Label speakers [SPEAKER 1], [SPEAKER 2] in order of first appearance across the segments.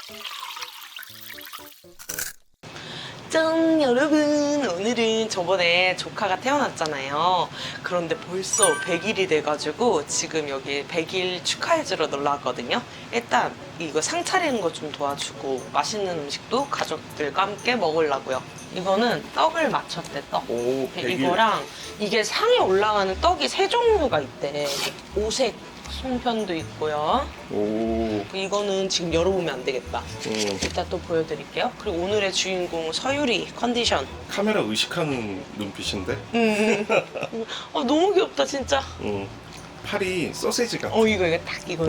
[SPEAKER 1] 짠! 여러분, 오늘은 저번에 조카가 태어났잖아요. 그런데 벌써 100일이 돼가지고 지금 여기 100일 축하해주러 놀러 왔거든요. 일단 이거 상 차리는 거 좀 도와주고 맛있는 음식도 가족들과 함께 먹으려고요. 이거는 떡을 맞췄대, 떡.
[SPEAKER 2] 오, 100일.
[SPEAKER 1] 이거랑 이게 상에 올라가는 떡이 3종류가 있대. 오색 송편도 있고요.
[SPEAKER 2] 오.
[SPEAKER 1] 이거는 지금 열어보면 안 되겠다. 이따 또 보여드릴게요. 그리고 오늘의 주인공 서유리 컨디션.
[SPEAKER 2] 카메라 의식하는 눈빛인데?
[SPEAKER 1] 너무 귀엽다 진짜.
[SPEAKER 2] 팔이 소세지 같아.
[SPEAKER 1] 이거 딱 이거.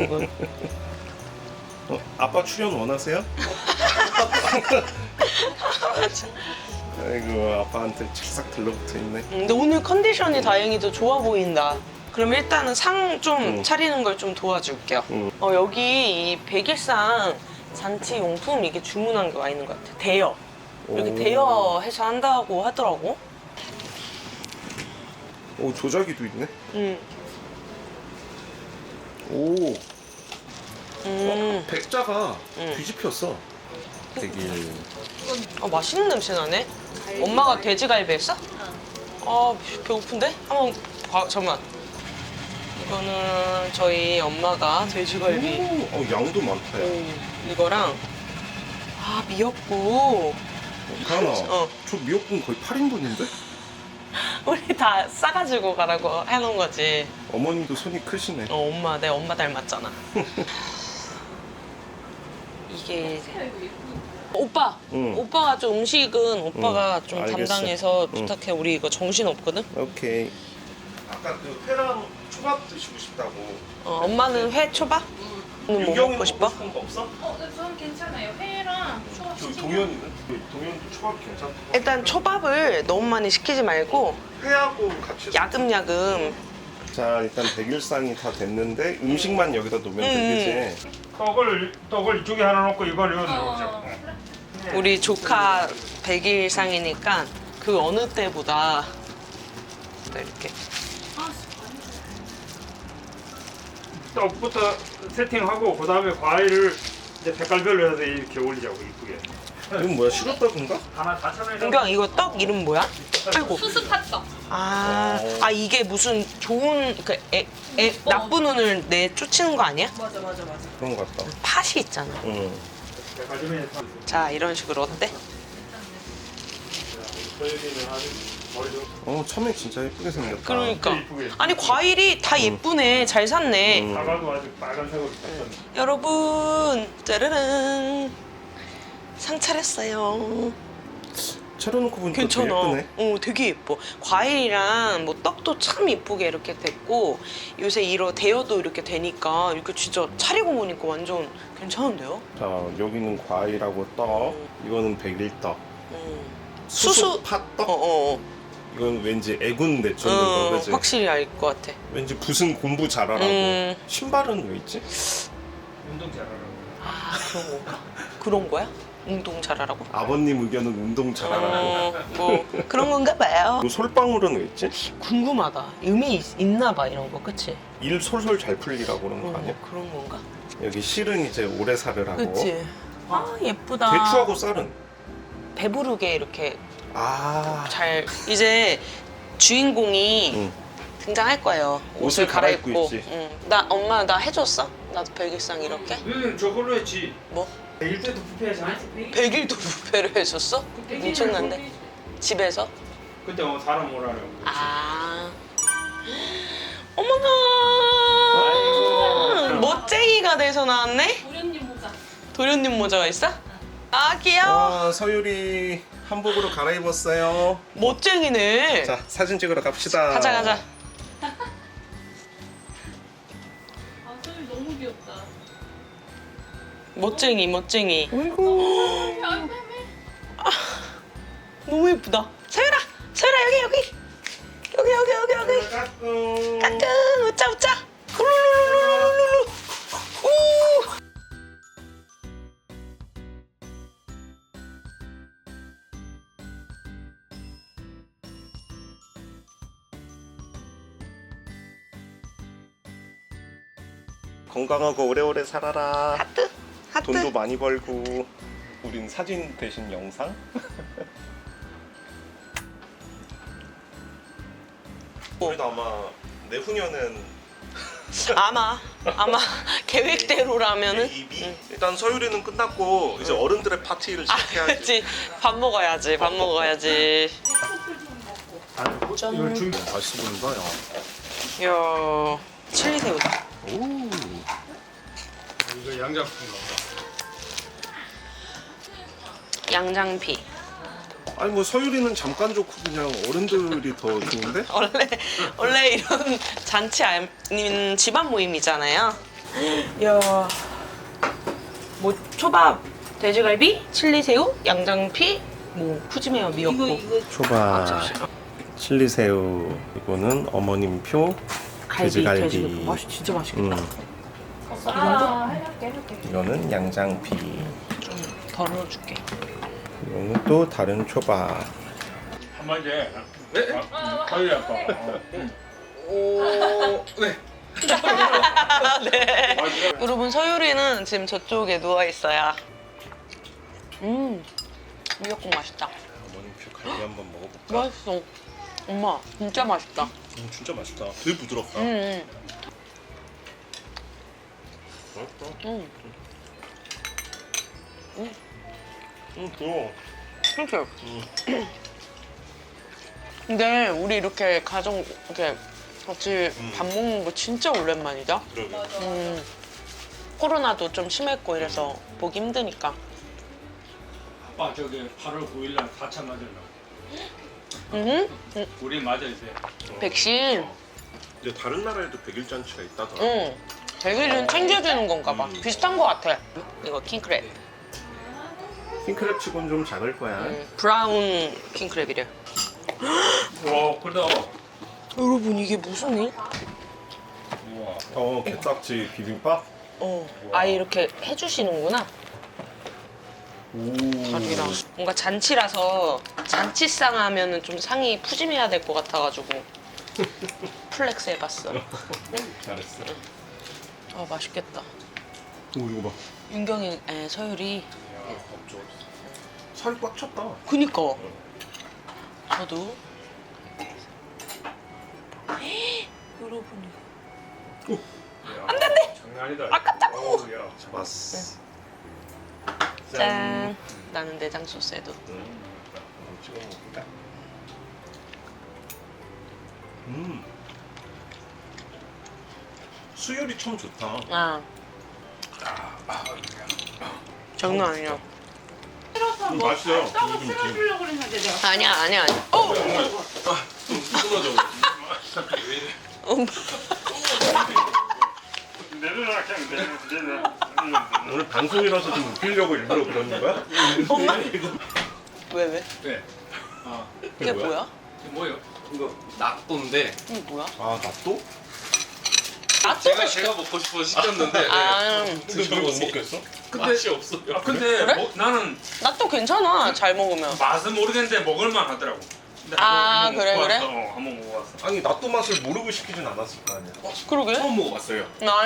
[SPEAKER 2] 아빠 출연 원하세요? 아이고, 아빠한테 찰싹 들러붙어 있네.
[SPEAKER 1] 근데 오늘 컨디션이 다행히도 좋아 보인다. 그럼 일단은 상 좀 차리는 걸 좀 도와줄게요. 여기 이 백일상 잔치 용품 이게 주문한 게 와 있는 것 같아. 대여. 이렇게
[SPEAKER 2] 오.
[SPEAKER 1] 대여해서 한다고 하더라고.
[SPEAKER 2] 오, 조작이도 있네.
[SPEAKER 1] 음.
[SPEAKER 2] 오. 백자가 뒤집혔어. 100일.
[SPEAKER 1] 맛있는 냄새 나네. 엄마가 돼지갈비 했어? 배고픈데? 한번 잠깐만. 이거는 저희 엄마가 돼지갈비.
[SPEAKER 2] 양도 많다, 야.
[SPEAKER 1] 이거랑 미역국.
[SPEAKER 2] 가은아,
[SPEAKER 1] 어.
[SPEAKER 2] 저 미역국 거의 8인분인데?
[SPEAKER 1] 우리 다 싸가지고 가라고 해놓은 거지.
[SPEAKER 2] 어머님도 손이 크시네.
[SPEAKER 1] 내 엄마 닮았잖아. 이게 오빠, 오빠가 좀 음식은 오빠가 좀
[SPEAKER 2] 알겠어.
[SPEAKER 1] 담당해서 부탁해. 우리 이거 정신 없거든.
[SPEAKER 2] 오케이. 아까 그 회랑 초밥 드시고 싶다고.
[SPEAKER 1] 엄마는 회 초밥? 뭐
[SPEAKER 2] 유경이
[SPEAKER 1] 먹고 싶어?
[SPEAKER 2] 싶은 거 없어?
[SPEAKER 3] 네, 저는 괜찮아요. 회랑 초밥
[SPEAKER 2] 저
[SPEAKER 3] 시키면
[SPEAKER 2] 동현이는? 동현도 초밥 괜찮다고.
[SPEAKER 1] 일단 초밥을 너무 많이 시키지 말고
[SPEAKER 2] 회하고 같이.
[SPEAKER 1] 야금야금.
[SPEAKER 2] 자, 일단 백일상이 다 됐는데 음식만 여기다 놓으면 되겠지.
[SPEAKER 4] 떡을 이쪽에 하나 놓고 이걸 여기 놓자.
[SPEAKER 1] 우리 조카 100일상이니까 그 어느 때보다 또 이렇게
[SPEAKER 4] 떡부터 세팅하고 그다음에 과일을 이제 색깔별로 해서 이렇게 올리자고 이쁘게.
[SPEAKER 2] 이건 뭐야? 시럽떡인가?
[SPEAKER 4] 하나 4,000원에
[SPEAKER 1] 은경 이거 떡 이름 뭐야? 아이고.
[SPEAKER 3] 수수팥떡.
[SPEAKER 1] 이게 무슨 좋은 나쁜 운을 내쫓는 거 아니야?
[SPEAKER 3] 맞아.
[SPEAKER 2] 그런 것 같다.
[SPEAKER 1] 팥이 있잖아.
[SPEAKER 4] 마지막에
[SPEAKER 1] 자, 이런 식으로 어때?
[SPEAKER 4] 저희는 아주 머리도
[SPEAKER 2] 처음에 진짜 예쁘게 생겼다.
[SPEAKER 1] 그러니까.
[SPEAKER 4] 이쁘게.
[SPEAKER 1] 아니 과일이 다 예쁘네. 잘 샀네.
[SPEAKER 4] 사과도 아주 빨간색으로 떴던.
[SPEAKER 1] 여러분, 짜르릉. 상 차렸어요.
[SPEAKER 2] 차려놓고 보니까
[SPEAKER 1] 괜찮아.
[SPEAKER 2] 되게 예쁘네.
[SPEAKER 1] 되게 예뻐. 과일이랑 뭐 떡도 참 예쁘게 이렇게 됐고 요새 이런 대여도 이렇게 되니까 이렇게 진짜 차리고 보니까 완전 괜찮은데요?
[SPEAKER 2] 자, 여기는 과일하고 떡. 이거는 백일떡.
[SPEAKER 1] 수수
[SPEAKER 2] 팥떡. 이건 왠지 애군 내쫓는 거, 그지?
[SPEAKER 1] 확실히 알 것 같아.
[SPEAKER 2] 왠지 붓은 공부 잘하라고. 신발은 왜 있지?
[SPEAKER 4] 운동 잘하라고.
[SPEAKER 1] 그런 건가? 그런 거야? 운동 잘하라고?
[SPEAKER 2] 아버님 의견은 운동 잘하라고.
[SPEAKER 1] 뭐 그런 건가 봐요.
[SPEAKER 2] 이 솔방울은 왜 있지?
[SPEAKER 1] 궁금하다. 의미 있나 봐 이런 거, 그치?
[SPEAKER 2] 일 솔솔 잘 풀리라고 그런 거 아니야?
[SPEAKER 1] 그런 건가?
[SPEAKER 2] 여기 실은 이제 오래 살으라고.
[SPEAKER 1] 그치? 예쁘다.
[SPEAKER 2] 대추하고 쌀은?
[SPEAKER 1] 배부르게 이렇게
[SPEAKER 2] 아,
[SPEAKER 1] 잘 이제 주인공이 등장할 거예요. 옷을
[SPEAKER 2] 갈아입고
[SPEAKER 1] 갈아입고.
[SPEAKER 2] 있지.
[SPEAKER 1] 엄마 나 해줬어? 나도 백일상 이렇게?
[SPEAKER 4] 저걸로 했지.
[SPEAKER 1] 뭐?
[SPEAKER 4] 100일 때도 뷔페에서
[SPEAKER 1] 100일도 뷔페를 해줬어? 엄청난데? 집에서?
[SPEAKER 4] 그때 사람 오라고.
[SPEAKER 1] 어머나!
[SPEAKER 4] 아이고.
[SPEAKER 1] 멋쟁이가 돼서 나왔네?
[SPEAKER 3] 도련님 모자.
[SPEAKER 1] 도련님 모자가 있어? 귀여워.
[SPEAKER 2] 서유리 한복으로 갈아입었어요.
[SPEAKER 1] 멋쟁이네.
[SPEAKER 2] 자, 사진 찍으러 갑시다.
[SPEAKER 1] 가자.
[SPEAKER 3] 소율 너무 귀엽다.
[SPEAKER 1] 멋쟁이.
[SPEAKER 2] 아이고.
[SPEAKER 1] 너무 예쁘다. 서율아 여기.
[SPEAKER 2] 까꿍.
[SPEAKER 1] 까꿍 웃자. 룰루루루루루. 우.
[SPEAKER 2] 건강하고 오래오래 살아라.
[SPEAKER 1] 하트.
[SPEAKER 2] 돈도 많이 벌고 우린 사진 대신 영상? 우리도 아마 내후년은
[SPEAKER 1] 아마 계획대로라면은
[SPEAKER 2] 베이비? 일단 서유리는 끝났고 이제 어른들의 파티를
[SPEAKER 1] 아
[SPEAKER 2] 시작해야지.
[SPEAKER 1] 그렇지 밥 먹어야지 밥 먹어야지. 짠.
[SPEAKER 4] 이걸 준비.
[SPEAKER 2] 맛있어 보인다. 야.
[SPEAKER 1] 이야 칠리 새우다.
[SPEAKER 2] 오.
[SPEAKER 4] 이거 양장피인가 보다.
[SPEAKER 1] 양장피.
[SPEAKER 2] 아니 뭐 서유리는 잠깐 좋고 그냥 어른들이 더 좋은데?
[SPEAKER 1] 원래 이런 잔치 아닌 집안 모임이잖아요. 이야 뭐 초밥, 돼지갈비, 칠리 새우, 양장피, 뭐 푸짐해요 미역국.
[SPEAKER 2] 초밥, 칠리새우, 이거는 어머님표, 돼지갈비.
[SPEAKER 1] 맛이 진짜 맛있겠다.
[SPEAKER 3] 해줄게.
[SPEAKER 2] 이거는 양장피.
[SPEAKER 1] 좀 덜어줄게.
[SPEAKER 2] 이거는 또 다른 초밥.
[SPEAKER 4] 한마디 해. 네? 가위 아빠.
[SPEAKER 1] 네. 여러분 서유리는 지금 저쪽에 누워 있어요. 미역국 맛있다.
[SPEAKER 2] 어머님표 갈비 한번 먹어볼까?
[SPEAKER 1] 맛있어. 엄마 진짜 맛있다.
[SPEAKER 2] 진짜 맛있다. 되게 부드럽다.
[SPEAKER 1] 음.
[SPEAKER 2] 또.
[SPEAKER 1] 그렇죠. 근데 우리 이렇게 가정 이렇게 같이 밥 먹는 거 진짜 오랜만이다.
[SPEAKER 2] 그러게.
[SPEAKER 1] 코로나도 좀 심했고 이래서 보기 힘드니까.
[SPEAKER 4] 아빠 저기 8월 9일 날 4차 맞을라. 우리 맞아야 돼.
[SPEAKER 1] 백신.
[SPEAKER 2] 이제 다른 나라에도 백일 잔치가 있다더라.
[SPEAKER 1] 응. 백일은 챙겨주는 건가 봐. 비슷한 거 같아. 이거 킹크랩.
[SPEAKER 2] 킹크랩 치곤 좀 작을 거야.
[SPEAKER 1] 브라운 킹크랩이래.
[SPEAKER 4] 와, 크다.
[SPEAKER 1] 여러분 이게 무슨 일?
[SPEAKER 4] 우와.
[SPEAKER 2] 게딱지 비빔밥?
[SPEAKER 1] 아예 이렇게 해주시는구나.
[SPEAKER 2] 오.
[SPEAKER 1] 가족이랑 뭔가 잔치라서 잔치상 하면은 좀 상이 푸짐해야 될 것 같아가지고 플렉스 해봤어.
[SPEAKER 2] 잘했어.
[SPEAKER 1] 아 맛있겠다.
[SPEAKER 2] 오, 이거 봐.
[SPEAKER 1] 윤경이 서율이.
[SPEAKER 2] 살이 꽉 찼다.
[SPEAKER 1] 그니까. 저도. 여러분.
[SPEAKER 4] 안 된대. 장난이다.
[SPEAKER 1] 아깝다고.
[SPEAKER 2] 잡았어.
[SPEAKER 1] 짠. 나는 내장 소스에도.
[SPEAKER 2] 찍어 먹을까? 수율이 참 좋다.
[SPEAKER 1] 아. 장난 아니야.
[SPEAKER 2] 맛있어요.
[SPEAKER 3] 떡을 쓸어주려고 그랬는데 내가.
[SPEAKER 1] 아니야. 어.
[SPEAKER 4] 내려놔 그냥 내려.
[SPEAKER 2] 오늘 방송이라서 좀 웃기려고 일부러 그러는 거야?
[SPEAKER 1] 엄마? 왜?
[SPEAKER 4] 네. 아,
[SPEAKER 1] 이게 뭐야?
[SPEAKER 4] 이게 뭐예요?
[SPEAKER 5] 이거 낫또인데
[SPEAKER 1] 이게 뭐야?
[SPEAKER 2] 아, 낫또?
[SPEAKER 5] 제가 먹고 싶어서 시켰는데
[SPEAKER 1] 아,
[SPEAKER 2] 근데 왜 못 먹겠어?
[SPEAKER 5] 맛이 없어요.
[SPEAKER 4] 아, 근데
[SPEAKER 1] 그래?
[SPEAKER 4] 나는
[SPEAKER 1] 나또 괜찮아. 잘 먹으면.
[SPEAKER 4] 맛은 모르겠는데 먹을만 하더라고. 근데
[SPEAKER 1] 아,
[SPEAKER 4] 한번
[SPEAKER 1] 그래,
[SPEAKER 4] 먹어봤어.
[SPEAKER 1] 그래?
[SPEAKER 4] 한번 먹어봤어.
[SPEAKER 2] 아니, 낫또 맛을 모르고 시키진 않았을 거 아니야.
[SPEAKER 1] 그러게.
[SPEAKER 5] 처음 먹어봤어요.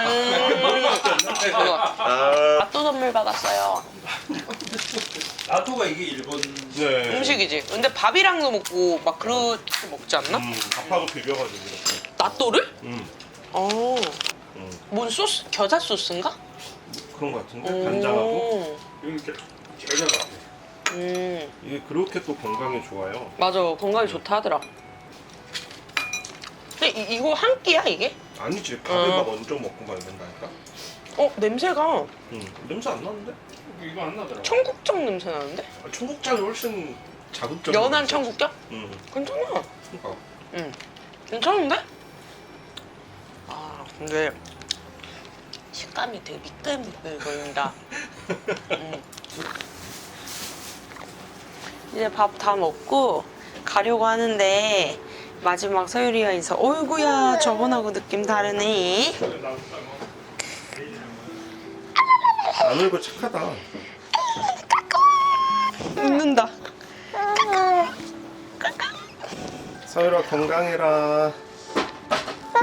[SPEAKER 1] 맛도 선물 받았어요.
[SPEAKER 4] 나토가 이게 일본
[SPEAKER 2] 네.
[SPEAKER 1] 음식이지. 근데 밥이랑도 먹고 막 그렇게 먹지 않나?
[SPEAKER 2] 밥하고 비벼가지고 이렇게.
[SPEAKER 1] 나또를? 어.
[SPEAKER 2] 음.
[SPEAKER 1] 뭔 소스? 겨자 소스인가?
[SPEAKER 2] 그런 거 같은데? 간장하고.
[SPEAKER 4] 이렇게 겨자가.
[SPEAKER 2] 이게 그렇게 또 건강에 좋아요.
[SPEAKER 1] 맞아. 건강에 좋다 하더라. 근데 이거 한 끼야 이게?
[SPEAKER 2] 아니지, 밥에 막 얹어 먹고 막 이런다니까?
[SPEAKER 1] 냄새가
[SPEAKER 2] 냄새 안 나는데?
[SPEAKER 4] 이거 안 나더라고.
[SPEAKER 1] 청국장 냄새 나는데?
[SPEAKER 2] 아, 청국장이 훨씬 자극적인
[SPEAKER 1] 연한
[SPEAKER 2] 냄새.
[SPEAKER 1] 청국장? 괜찮아.
[SPEAKER 2] 그러니까.
[SPEAKER 1] 괜찮은데? 아 근데 식감이 되게 미끌미끌 거린다. 이제 밥 다 먹고 가려고 하는데 마지막 서유리가 있어. 어이구야 저번하고 느낌 다르네.
[SPEAKER 2] 안 울고 착하다.
[SPEAKER 1] 웃는다.
[SPEAKER 2] 서유라 건강해라.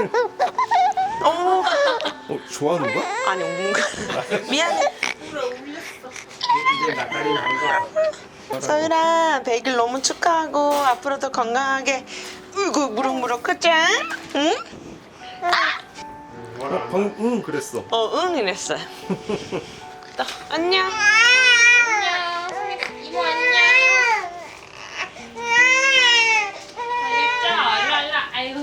[SPEAKER 2] 좋아하는 거야?
[SPEAKER 1] 아니 웃는 거. 미안해.
[SPEAKER 4] 다리 나가.
[SPEAKER 1] 서율아 100일 너무 축하하고 앞으로도 건강하게 으이구 무럭무럭 크자. 응?
[SPEAKER 2] 방금 응 그랬어.
[SPEAKER 1] 응 이랬어요. 또 안녕.